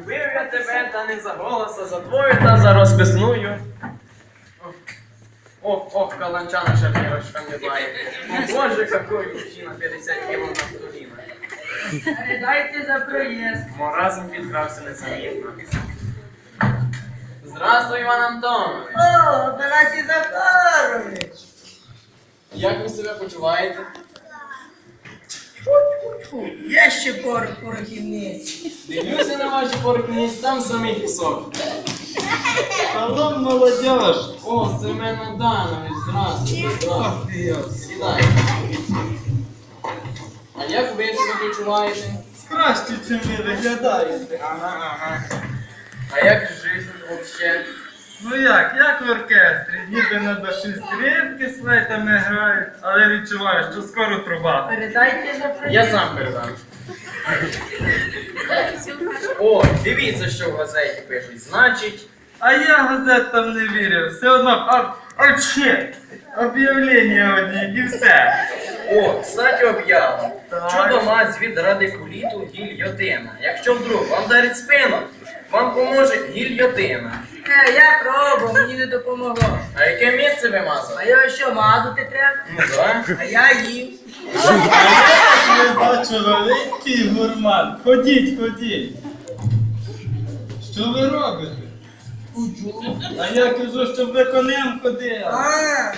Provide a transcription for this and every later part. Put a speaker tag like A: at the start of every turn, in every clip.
A: Любив я тебе, та не за голос, а за твою та за розписною. Ох, каланча наша Вірочка не бає. О, Боже, какой мужчина, 50 кіло на коліна.
B: Передайте за проїзд.
A: Разом підкрався незамітно. Здравствуй, Іван Антонович.
B: О, Тарасі Захарович.
A: Як ви себе почуваєте?
B: Є ще порохівниці.
A: Дивлюся на ваші порохівниці, там самий пісок.
C: Шалом, молодежь!
A: О, Семен Аданович, здравствуйте. Сідай. А як ви себе почуваєте?
C: Краще, чим ви виглядаєте.
A: Ага. А як жизнь вообще?
C: Ну як в оркестрі, ніби на душі скрипки з флейтами грають, але відчуваю, що скоро труба.
B: Передайте за проїзд.
A: Я сам передам. О, дивіться, що в газеті пишуть. Значить,
C: А я газетам не вірю, все одно, об'явлення одні і все.
A: о, кстати, об'ява.
C: Так.
A: Чудо-мазь від радикуліту гільйотина. Якщо вдруг вам дарить спину, вам поможе гільйотина.
B: Я пробував, мені не допомогло.
A: А яке місце ви мазали?
B: А його що, мазати треба?
A: Ну да.
B: А я їв.
C: Я бачу великий гурман. Ходіть. Що ви робите? А я кажу, щоб ви конем ходили.
B: А,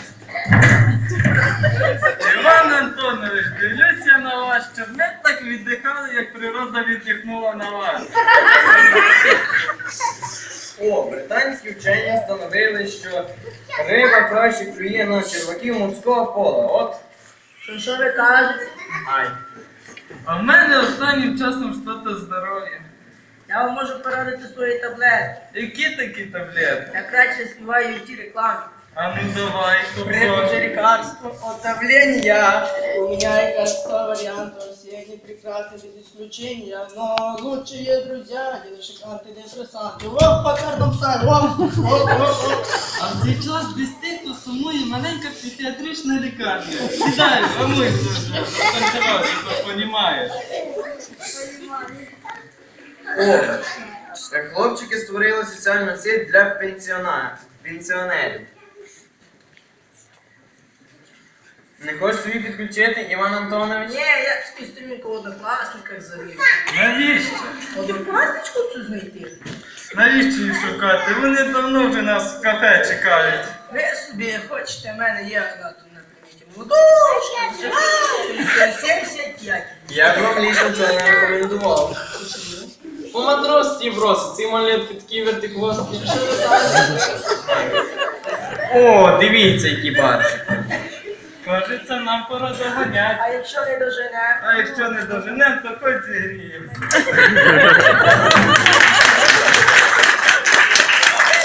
C: Іван Антонович, дивлюся на вас, щоб ми так віддихали, як природа віддихнула на вас.
A: О, британські вчені встановили, що риба краще клює на черваків морського пола. От.
B: що ви кажете?
A: Ай.
C: А в мене останнім часом щось здоров'я.
B: Я вам можу порадити свої таблетки.
C: Які такі таблетки?
B: Я краще співаю в тій рекламі.
C: А ну давай,
B: Прежде
C: купсон.
B: лекарство от давления. У меня и кажется вариантов всех не прекрасны без исключения. Но лучшие друзья, девушек антидепрессанты. Оп, по картам стали, оп.
C: А в цей час десь тихо сумує маленька психіатрична лікарня. Сідай, замуйся вже, розтанцювався, то понімаєш.
A: О, хлопчики створили соціальну сеть для пенсіонерів. Не хочеш собі підключити, Іван Антонович?
B: Не, я з кістюмінка в однокласниках завів.
C: Навіщо?
B: Однокласничку цю знайти?
C: Навіщо її шукати? Вони давно вже нас в кафе чекають.
B: Ви собі хочете, в мене є одна тут на приміті. Молодочка, 75.
A: Я б вам лічно це не рекомендував. По матросці бросить, ці малетки такі вертихвостки. О, дивіться, які барші.
C: Кажеться, нам пора доганять.
B: А якщо не доженемо?
C: А якщо не доженем, то хоч зігріємося.